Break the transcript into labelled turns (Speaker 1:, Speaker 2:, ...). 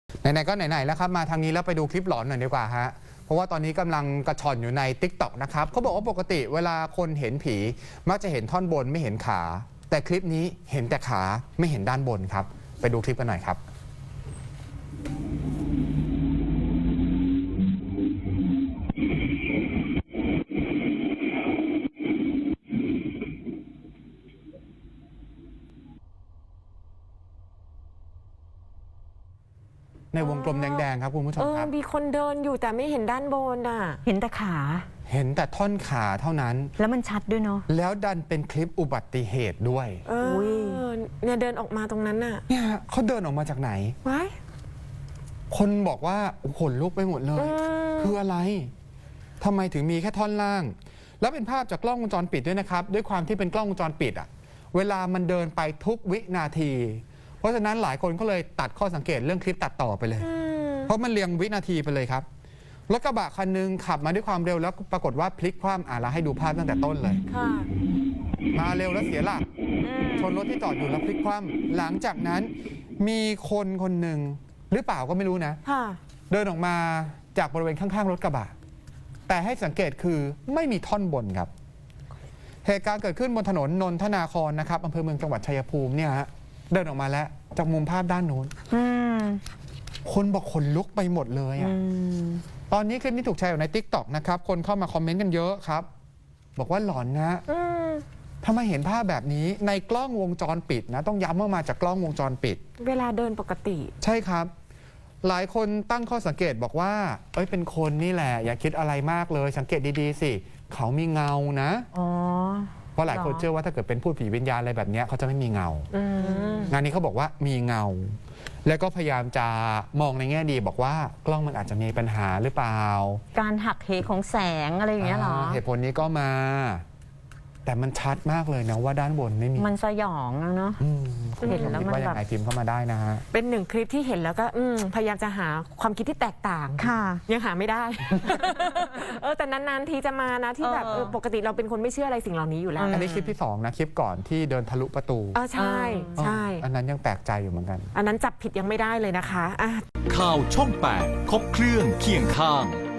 Speaker 1: ไหนๆก็ไหนๆแล้วครับมาทางนี้แล้วไปดูคลิปหลอนหน่อยดีกว่าฮะเพราะว่าตอนนี้กำลังกระชอนอยู่ใน TikTok นะครับเขาบอกว่าปกติเวลาคนเห็นผีมักจะเห็นท่อนบนไม่เห็นขา แต่คลิปนี้เห็นแต่ขาไม่เห็นด้านบนครับไปดูคลิปกันหน่อยครับในวงกลมแดงๆครับคุณผู้ชมครับ
Speaker 2: มีคนเดินอยู่แต่ไม่เห็นด้านบนอ่ะ
Speaker 3: เห็นแต่ขา
Speaker 1: เห็นแต่ท่อนขาเท่านั้น
Speaker 3: แล้วมันชัดด้วยเนาะ
Speaker 1: แล้วดันเป็นคลิปอุบัติเหตุด้วย
Speaker 2: เนี่ยเดินออกมาตรงนั้นน่ะ
Speaker 1: เนี่ยเขาเดินออกมาจากไหน
Speaker 2: ว้าย
Speaker 1: คนบอกว่าขนลุกไปหมดเลยคืออะไรทำไมถึงมีแค่ท่อนล่างแล้วเป็นภาพจากกล้องวงจรปิดด้วยนะครับด้วยความที่เป็นกล้องวงจรปิดอะเวลามันเดินไปทุกวินาทีเพราะฉะนั้นหลายคนก็เลยตัดข้อสังเกตเรื่องคลิปตัดต่อไปเลยเพราะมันเรียงวินาทีไปเลยครับรถกระบะคันนึงขับมาด้วยความเร็วแล้วปรากฏว่าพลิกคว่ำเราให้ดูภาพตั้งแต่ต้นเลยมาเร็วแล้วเสียหลักชนรถที่จอดอยู่แล้วพลิกคว่ำหลังจากนั้นมีคนคนหนึ่งหรือเปล่าก็ไม่รู้นะเดินออกมาจากบริเวณข้างๆรถกระบะแต่ให้สังเกตคือไม่มีท่อนบนครับเหตุการณ์เกิดขึ้นบนถนนนนทนาครนะครับอำเภอเมืองจังหวัดชัยภูมิเนี่ยฮะเดินออกมาแล้วจากมุมภาพด้านโน้นคนบอกขนลุกไปหมดเลยอ่ะตอนนี้คลิปนี้ถูกแชร์อยู่ใน TikTok นะครับคนเข้ามาคอมเมนต์กันเยอะครับบอกว่าหลอนนะทำไมเห็นภาพแบบนี้ในกล้องวงจรปิดนะต้องย้ำว่ามาจากกล้องวงจรปิด
Speaker 2: เวลาเดินปกติ
Speaker 1: ใช่ครับหลายคนตั้งข้อสังเกตบอกว่าเป็นคนนี่แหละอย่าคิดอะไรมากเลยสังเกตดีๆสิเขามีเงานะเพราะหลายคนเชื่อว่าถ้าเกิดเป็นพูดผีวิญญาณอะไรแบบนี้เขาจะไม่มีเงางานนี้เขาบอกว่ามีเงาแล้วก็พยายามจะมองในแง่ดีบอกว่ากล้องมันอาจจะมีปัญหาหรือเปล่า
Speaker 3: การหักเหของแสงอะไรอย่างเงี้ยหรอ
Speaker 1: เหตุผลนี้ก็มาแต่มันชัดมากเลยนะว่าด้านบนไม่มี
Speaker 3: มันสยองเนาะ
Speaker 1: เห็นแล้วมันแบบพิมพ์เข้ามาได้นะฮะ
Speaker 2: เป็นหนึ่งคลิปที่เห็นแล้วก็พยายามจะหาความคิดที่แตกต่าง
Speaker 3: ค่ะ
Speaker 2: ยังหาไม่ได้ แต่นานๆทีจะมานะที่แบบปกติเราเป็นคนไม่เชื่ออะไรสิ่งเหล่านี้อยู่แล้ว
Speaker 1: อันนี้คลิปที่2นะคลิปก่อนที่เดินทะลุประตู
Speaker 2: ใช่ใช่
Speaker 1: อันนั้นยังแปลกใจอยู่เหมือนกัน
Speaker 2: อันนั้นจับผิดยังไม่ได้เลยนะคะ
Speaker 4: ข่าวช่อง 8 ครบเครื่องเคียงข้าง